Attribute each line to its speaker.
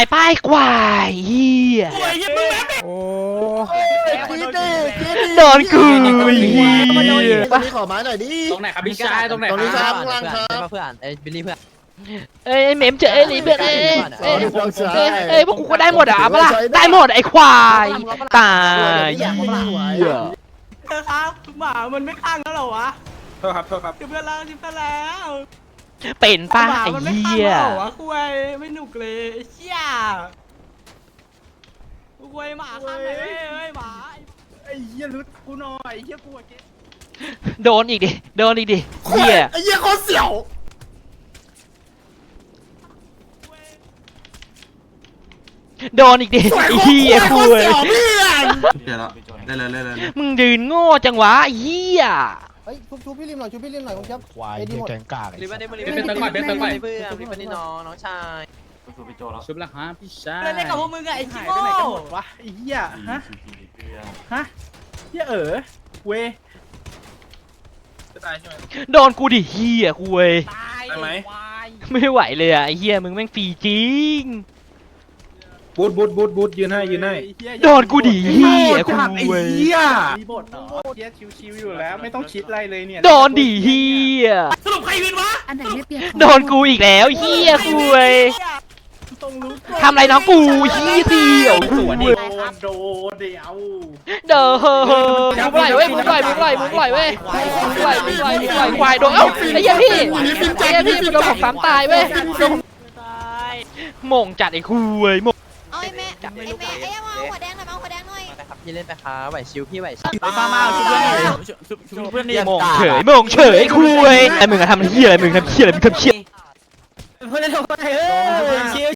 Speaker 1: ายป้ายควายเฮีย
Speaker 2: โอ้
Speaker 1: โดนกูเฮีย
Speaker 3: ตรงนี้ขอไม้หน่อยดิ
Speaker 4: ตรงไหนครับพี่ชายตรงไหน
Speaker 3: ตรงนี้
Speaker 4: ค
Speaker 3: ค
Speaker 4: รั
Speaker 3: รั
Speaker 4: บบ
Speaker 3: ข้างล่างครับ
Speaker 5: เพื่อนไอ้บิลลี่เพื่อน
Speaker 1: เอ้ยเมมเจอเอ้ยเพื่อนเอ้ย
Speaker 3: สอนน้องชาย
Speaker 1: เอ้ยพวกกูก็ได้หมดอ่ะปะล่ะได้หมดไอ้ควายตายเฮีย
Speaker 6: เธอครับหมามันไม่ข้างแล้วเหรอวะ
Speaker 4: โทษครับโทษครับ
Speaker 6: จิบเพื่อนแล้วจิบเพื่อนแล้ว
Speaker 1: เป็นป้า
Speaker 6: หมา
Speaker 1: ไอ้
Speaker 6: มันไม่
Speaker 1: เฮี
Speaker 6: ข้าง
Speaker 1: ย
Speaker 6: แล้วเหรอวะคุยไม่หนุกเลยไอ้เชี่ยคุยหมาข้างไหนเฮ้ยหมา
Speaker 4: ไอ้เหี้ยรุดกูหน่อยไอ้เหี้ยกูอะเจ๊
Speaker 1: โดนอีกดิโดนอีกดิเฮีย
Speaker 3: ไอ้เหี้ยโคตรเสี่ยว
Speaker 1: โดนอีกดิไอ้เฮีย
Speaker 3: โค
Speaker 1: คุ
Speaker 3: ตร
Speaker 1: ย
Speaker 3: เสี่ยวเพื่อน
Speaker 7: เดี๋ยวแล้วได้เลย
Speaker 1: มึงยืนโง่จังวะไอ้เฮีย
Speaker 2: เฮ้ยชุบพี่ริมหน่อยชุบพี่ริมหน่อยคุณครับ
Speaker 8: ควาย
Speaker 2: ไอ้ดีหมด
Speaker 8: แกงกาก
Speaker 5: บิลลี่ไม่ได้บิลลี่
Speaker 4: เป็นตะข่อยเป็นตะข่อย
Speaker 5: เพื่อนพี่เป็นนี่น้องชาย
Speaker 4: ชุบละฮะพี่ชาย
Speaker 6: เล่นกับพวกมึงอะไอ้
Speaker 4: หา
Speaker 6: ขี้
Speaker 4: ย
Speaker 6: โง่
Speaker 4: ไปไหนกันหมดวะไอ้เหี้ยฮะฮะเหี้ยเว้ยจะตายใช่ไหม
Speaker 1: โดนกูดิเฮียคุย
Speaker 4: ได้ไหม
Speaker 1: ไม่ไหวเลยอ่ะไอ้เฮียมึงแม่งฟรีจริง
Speaker 4: บูทยืนให้
Speaker 1: โดนกูดิเฮียคุ
Speaker 4: ไอ้
Speaker 1: ย
Speaker 4: เหี้ยมีบทเหรอเหี้ยชิวๆอยู่แล้วไม่ต้องคิดอะไรเลยเนี่ย
Speaker 1: โดนดิเฮีย
Speaker 6: สรุปใครวินวะ
Speaker 9: อันไหนไม่เปลี่ยน
Speaker 1: โดนกูอีกแล้วเฮียคุย
Speaker 4: ต้องรู้
Speaker 1: ทำอะไรน้องกูเฮียเดียว
Speaker 4: สวน
Speaker 1: คุ
Speaker 4: ดิ
Speaker 1: ย
Speaker 4: โดนเดี๋ยว
Speaker 1: เด้อเฮ้อมึงปล่อยเว้ยมึงปล่อยเว้ยมึงปล่อยควายโดนเอ้าไอ้เหี้ยพี่มันโดนผมซ้ำตายเว้ยโดนผมโม่งจัดไอ้คุยโม่ง
Speaker 9: เอาไอ้แม่ไอ้เอาหัวแดงหน่อยเอาหัวแดงหน่อย
Speaker 5: นะครับพี่เล่นไปครับไหวชิวพี่ไหวชิว
Speaker 6: มาชุบเพื่อนชุบเพื่อนดิ
Speaker 1: โม่งเฉยโม่งเฉยคุยไอ้มึงอะทำเหี้ยอะไรมึงทำเหี้ยอะไรมึงทำเหี้ย
Speaker 6: เพื่อนเล่นกับใครชิว